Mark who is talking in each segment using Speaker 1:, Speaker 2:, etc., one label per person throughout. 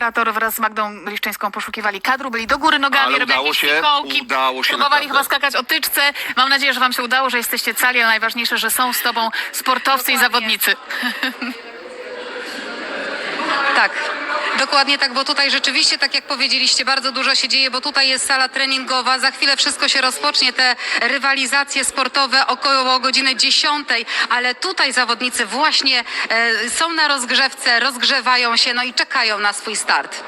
Speaker 1: Operator wraz z Magdą Liszczyńską poszukiwali kadru, byli do góry nogami,
Speaker 2: Ale
Speaker 1: robili
Speaker 2: udało się,
Speaker 1: fikołki,
Speaker 2: udało się
Speaker 1: próbowali
Speaker 2: naprawdę.
Speaker 1: chyba skakać o tyczce. Mam nadzieję, że wam się udało, że jesteście cali, ale najważniejsze, że są z tobą sportowcy i zawodnicy.
Speaker 3: Tak, dokładnie tak, bo tutaj rzeczywiście, tak jak powiedzieliście, bardzo dużo się dzieje, bo tutaj jest sala treningowa, za chwilę wszystko się rozpocznie, te rywalizacje sportowe około godziny 10, ale tutaj zawodnicy właśnie są na rozgrzewce, rozgrzewają się, no i czekają na swój start.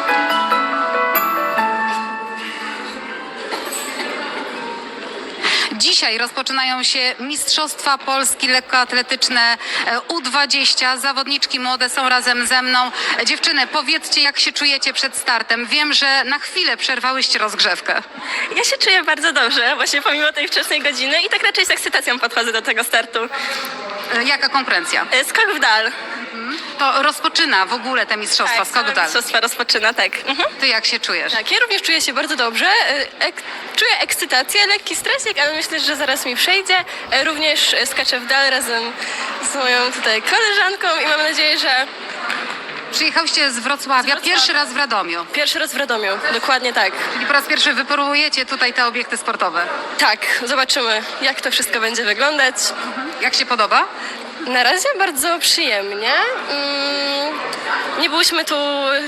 Speaker 3: Dzisiaj rozpoczynają się Mistrzostwa Polski lekkoatletyczne U20. Zawodniczki młode są razem ze mną. Dziewczyny, powiedzcie, jak się czujecie przed startem. Wiem, że na chwilę przerwałyście rozgrzewkę.
Speaker 4: Ja się czuję bardzo dobrze, właśnie pomimo tej wczesnej godziny i tak raczej z ekscytacją podchodzę do tego startu.
Speaker 3: Jaka konkurencja?
Speaker 4: Skok w dal.
Speaker 3: To rozpoczyna w ogóle te mistrzostwa, skok w dal.
Speaker 4: Mistrzostwa rozpoczyna, tak.
Speaker 3: Ty jak się czujesz?
Speaker 4: Tak, ja również czuję się bardzo dobrze. Czuję ekscytację, lekki stresik, ale myślę, że zaraz mi przejdzie. Również skaczę w dal razem z moją tutaj koleżanką i mam nadzieję, że
Speaker 3: Przyjechałyście z Wrocławia, pierwszy raz w Radomiu.
Speaker 4: pierwszy raz w Radomiu. Dokładnie tak.
Speaker 3: Czyli po raz pierwszy wypróbujecie tutaj te obiekty sportowe.
Speaker 4: Tak, zobaczymy, jak to wszystko będzie wyglądać.
Speaker 3: Jak się podoba?
Speaker 4: Na razie bardzo przyjemnie. Nie byliśmy tu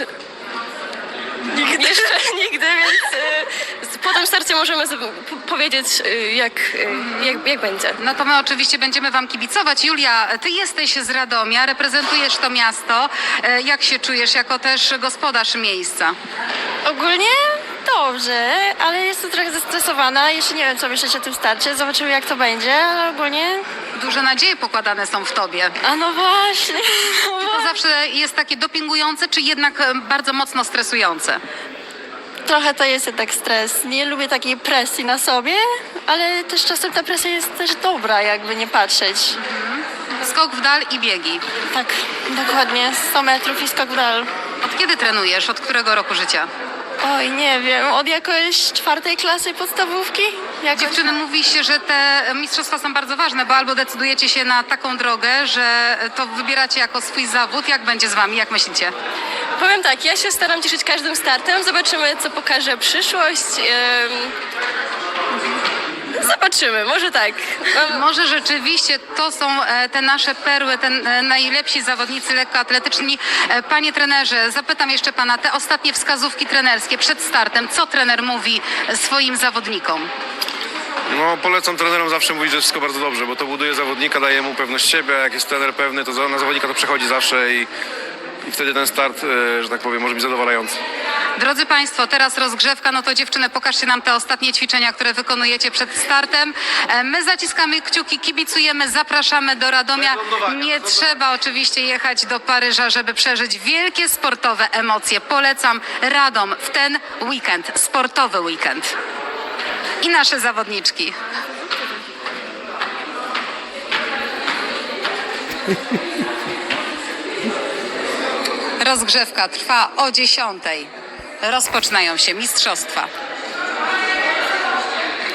Speaker 4: jeszcze nigdy, więc po tym starcie możemy powiedzieć, jak będzie.
Speaker 3: No to my oczywiście będziemy wam kibicować. Julia, ty jesteś z Radomia, reprezentujesz to miasto. Jak się czujesz jako też gospodarz miejsca?
Speaker 5: Ogólnie dobrze, ale jestem trochę zestresowana. Jeszcze nie wiem, co myśleć o tym starcie. Zobaczymy, jak to będzie, ale ogólnie...
Speaker 3: Duże nadzieje pokładane są w tobie.
Speaker 5: A no właśnie.
Speaker 3: Czy to zawsze jest takie dopingujące, czy jednak bardzo mocno stresujące?
Speaker 5: Trochę to jest jednak stres. Nie lubię takiej presji na sobie, ale też czasem ta presja jest też dobra, jakby nie patrzeć.
Speaker 3: Skok w dal i biegi.
Speaker 5: Tak, dokładnie. 100 metrów i skok w dal.
Speaker 3: Od kiedy trenujesz? Od którego roku życia?
Speaker 5: Oj, nie wiem, od jakoś 4. klasy podstawówki? Jakoś...
Speaker 3: Dziewczyny, mówi się, że te mistrzostwa są bardzo ważne, bo albo decydujecie się na taką drogę, że to wybieracie jako swój zawód. Jak będzie z wami? Jak myślicie?
Speaker 4: Powiem tak, ja się staram cieszyć każdym startem. Zobaczymy, co pokaże przyszłość. Zobaczymy, może tak.
Speaker 3: Może rzeczywiście to są te nasze perły, te najlepsi zawodnicy lekkoatletyczni. Panie trenerze, zapytam jeszcze pana, te ostatnie wskazówki trenerskie przed startem, co trener mówi swoim zawodnikom?
Speaker 2: No, polecam trenerom zawsze mówić, że wszystko bardzo dobrze, bo to buduje zawodnika, daje mu pewność siebie, a jak jest trener pewny, to na zawodnika to przechodzi zawsze i wtedy ten start, że tak powiem, może być zadowalający.
Speaker 3: Drodzy Państwo, teraz rozgrzewka, no to dziewczyny, pokażcie nam te ostatnie ćwiczenia, które wykonujecie przed startem. My zaciskamy kciuki, kibicujemy, zapraszamy do Radomia. Nie trzeba oczywiście jechać do Paryża, żeby przeżyć wielkie sportowe emocje. Polecam Radom w ten weekend, sportowy weekend. I nasze zawodniczki. Rozgrzewka trwa o 10:00. Rozpoczynają się mistrzostwa.